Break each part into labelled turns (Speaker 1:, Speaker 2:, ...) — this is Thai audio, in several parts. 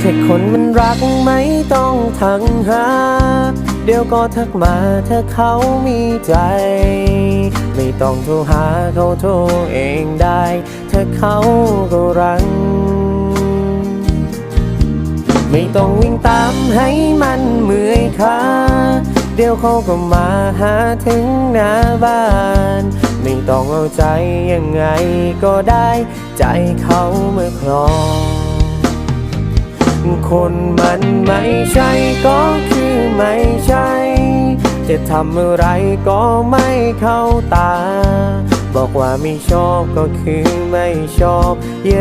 Speaker 1: ค่คนมันรักไม่ต้องทักหาเดี๋ยวก็ทักมาถ้าเขามีใจไม่ต้องโทรหาเขาโทรเองได้ถ้าเขาก็รักไม่ต้องวิ่งตามให้มันเมื่อยขาเดี๋ยวเขาก็มาหาถึงหน้าบ้านไม่ต้องเอาใจยังไงก็ได้ใจเขาเมื่อครองคนมันไม่ใช่ก็คือไม่ใช่จะทำอะไรก็ไม่เข้าตาบอกว่าไม่ชอบก็คือไม่ชอบ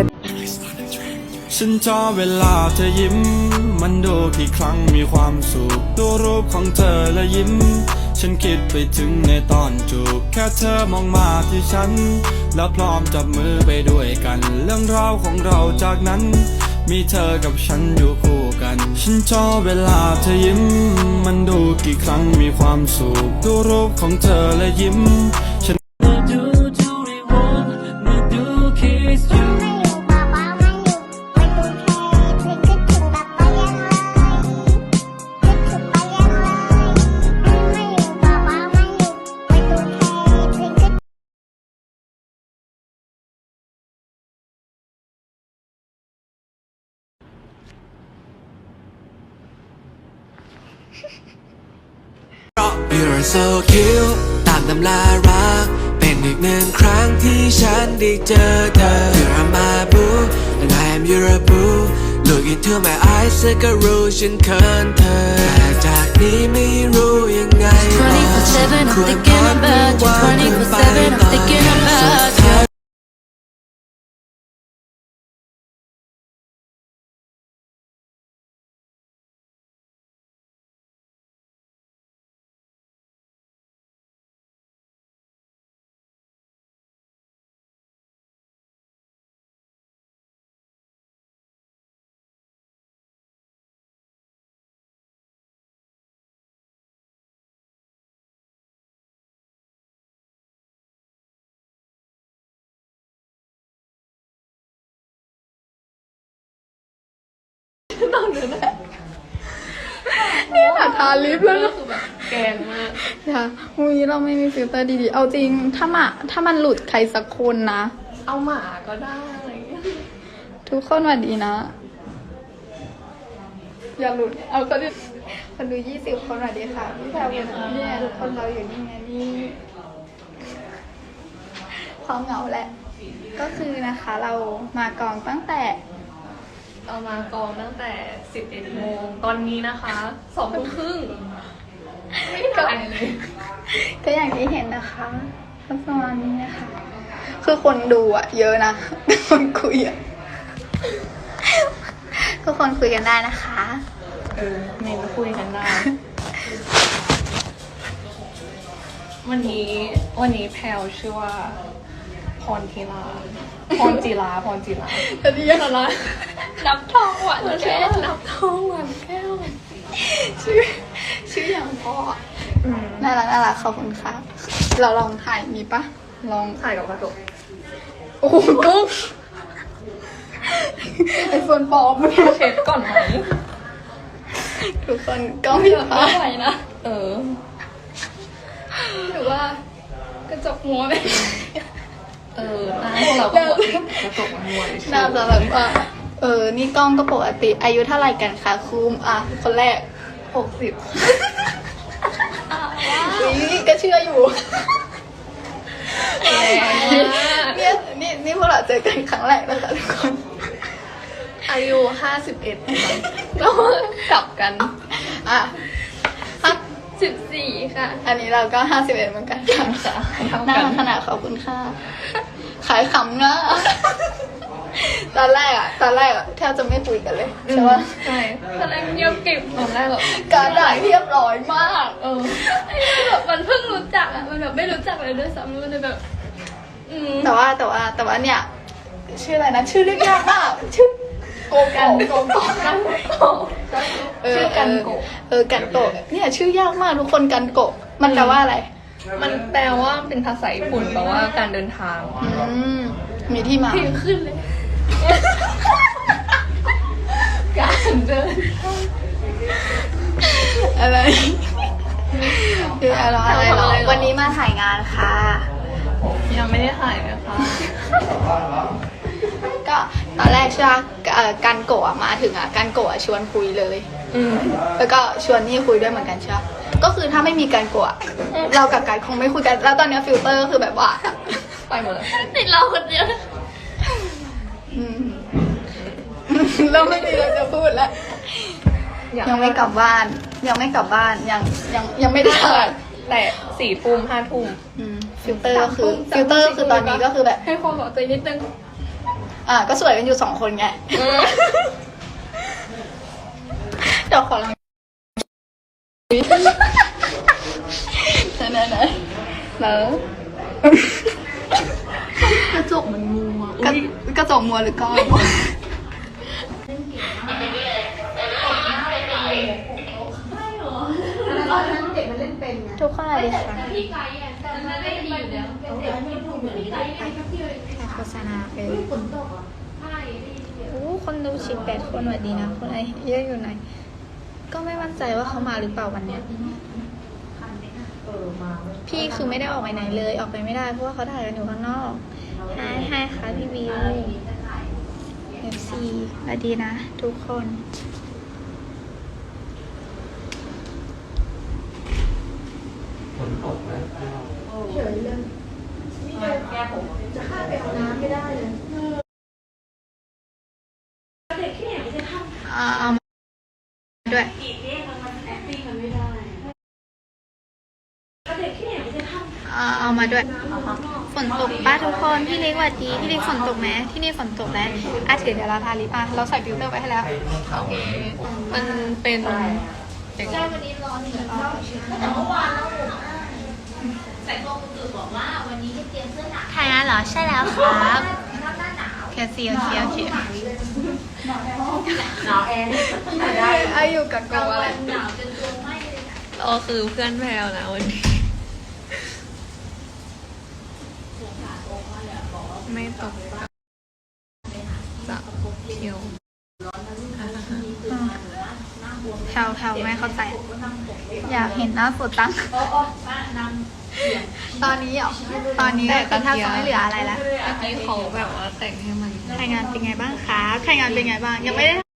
Speaker 2: ฉันชอบเวลาเธอยิ้มมันดูกี่ครั้งมีความสุขดูรูปของเธอและยิ้มฉันคิดไปถึงในตอนจูบแค่เธอมองมาที่ฉันแล้วพร้อมจับมือไปด้วยกันเรื่องราวของเราจากนั้นมีเธอกับฉันอยู่คู่กันฉันชอบเวลาเธอยิ้มมันดูกี่ครั้งมีความสุขดูรูปของเธอและยิ้มฉัน
Speaker 3: You're so cute ตามตำรารักเป็นอีกหนึ่งครั้งที่ฉันได้เจอเธอ You're my boo and I am your boo Look into my eyes เธอก็รู้ฉันเขินเธอแต่จากนี้ไม่รู้ยังไง
Speaker 4: 24/7 I'm thinking about you 24/7 I'm thinking about you
Speaker 5: นี่ค่ะทาลิปแล้ว
Speaker 4: คือแบบแกงมาก
Speaker 5: ค่ะวันนี้เราไม่มีฟิลเตอร์ดีๆเอาจริงถ้ามันหลุดใครสักคนนะ
Speaker 4: เอาหมาก็ได้
Speaker 5: ทุกคนสวัสดีนะอย่าหลุดเอาคนดู20 คนสวัสดีค่ะพี่แพรวเนี่ยทุกคนเราอยู่นี่ไงนี่ความเหงาแหละก็คือนะคะเรามากองตั้งแต่
Speaker 4: เอามากองตั้งแต่11 โมงตอนนี้นะคะ2 ทุ่มครึ่งไม่ถ่ายเลย
Speaker 5: ก็อย่างที่เห็นนะคะก็ประมาณนี้นะคะคือคนดูอะเยอะนะคนคุยอะทุกคนคุยกันได้นะคะ
Speaker 4: เมนคุยกันได้วันนี้แพลวชื่อว่าพรจิรา
Speaker 5: แต่ที่ยังอะไร
Speaker 4: นับทองหวานแก้วนับทองหวานแก้ว
Speaker 5: ชื่ออย่างพ่อน่ารักขอบคุณค่ะเราลองถ่ายมีปะลอง
Speaker 4: ถ่ายกับกระจก
Speaker 5: โอ้โหกุ๊กไอโฟนปลอมมัน
Speaker 4: เช็ดก่อนไหม
Speaker 5: ทุกคนก็ไม่
Speaker 4: ไหวนะ
Speaker 5: หรือว่ากระจกมัวไหม
Speaker 4: หน้าพวกเราก็ปกติกระจกมันมัว
Speaker 5: น่าจะแบบว่านี่กล้องก็ปกติอายุเท่าไหร่กันคะคุมคนแรก
Speaker 4: 60
Speaker 5: นี่ก็เชื่ออยู่นี่พวกเราเจอกันครั้งแรกนะคะทุกคน
Speaker 4: อายุ51แล้วกลับกัน14ค่ะ
Speaker 5: อันนี้เราก็51เหมือนกันค่ะน่าขนาดขอบคุณค่ะขายขำนะตอนแรกแทบจะไม่คุยกันเลยใช่ปะ
Speaker 4: ใช่ตอนแรกเงียบกริบตอนแรกแบบ
Speaker 5: การด่าเรียบร้อยมาก
Speaker 4: แบบมันเพิ่งรู้จักมันแบบไม่รู้จักเลยด้วยซ้ำมันเลยแบบ
Speaker 5: แต่ว่าเนี่ยชื่ออะไรนะชื่อเรียกยากมากชื่อโกกันโก
Speaker 4: ชื่อกันโก
Speaker 5: กันโกเนี่ยชื่อยากมากทุกคนกันโกมันแปลว่าอะไร
Speaker 4: มันแปลว่าเป็นภาษาญี่ปุ่นแปลว่าการเดินทาง
Speaker 5: มีที่มา
Speaker 4: ขึ้นเลยการ
Speaker 5: อะไรคืออะไรหรอวันนี้มาถ่ายงานค่ะ
Speaker 4: ยังไม่ได้ถ่ายนะคะ
Speaker 5: ก็ตอนแรกใช่ไหมกันโกะมาถึงกันโกะชวนคุยเลย แล้วก็ชวนนี่คุยด้วยเหมือนกันใช่ไหมก็คือถ้าไม่มีกันโกะเรากับกันคงไม่คุยกัน แล้วตอนนี้ฟิลเตอร์ก็คือแบบว่า
Speaker 4: ไปหมดเลย
Speaker 5: ติดเราคนเดียวเราไม่มีอะไรจะพูดแล้วยังไม่กลับบ้าน ยังไม่ได้ถ่าย
Speaker 4: แต่4 ทุ่ม 5 ทุ่ม
Speaker 5: ฟิลเตอร์ก็คือตอนนี้ก็คือแบบ
Speaker 4: ให้ความบอกใจนิดนึง
Speaker 5: ก็สวยกันอยู่2 คนไงเดี๋ยวขอลองไหนแล้วกระจกมันมัวกระจกมัวหรือก้อนทุกคนอะไรคะโฆษณาไปคนดู18 คนสวัสดีนะคนอะไรเยอะอยู่ไหนก็ไม่มั่นใจว่าเขามาหรือเปล่าวันเนี้ยพี่คือไม่ได้ออกไปไหนเลยออกไปไม่ได้เพราะว่าเขาถ่ายกันอยู่ข้างนอกไฮค่ะพี่วิว FC สวัสดีนะทุกคนเอามาด้วยเอามาด้วยฝนตกป้าทุกคนพี่เล็กสวัสดีพี่เล็กฝนตกไหมที่นี่ฝนตกแล้วถือเดี๋ยวเราทาลิปเราใส่ฟิลเตอร์ไว้ให้แล้ว
Speaker 4: มันเป็น
Speaker 5: ใช่วันนี้ร้อนแต่เมื่อวานใส่ตัวคุณตื่นบอกว่าวันนี้จะเตรียมเสื้อหนาวถ่ายงานเหรอใช่แล้วครับแค่เสียหนาวแอร์ได้อยู่กับกอะไรหนาวจนตัวไหม้เลย
Speaker 4: คือเพื่อนแพลวนะวันนี้ไม่ตกจะเที่ยว
Speaker 5: แถวไม่เข้าใจอยากเห็นหน้าสดตั้งตอนนี้ตอนนี้ก็แทบจะไม่เหลืออะไรแล้ว
Speaker 4: เมื่อกี้เขาแบบว่าแต่งให้มัน
Speaker 5: ถ่ายงานเป็นไงบ้างคะถ่ายงานเป็นไงบ้างยังไม่ได้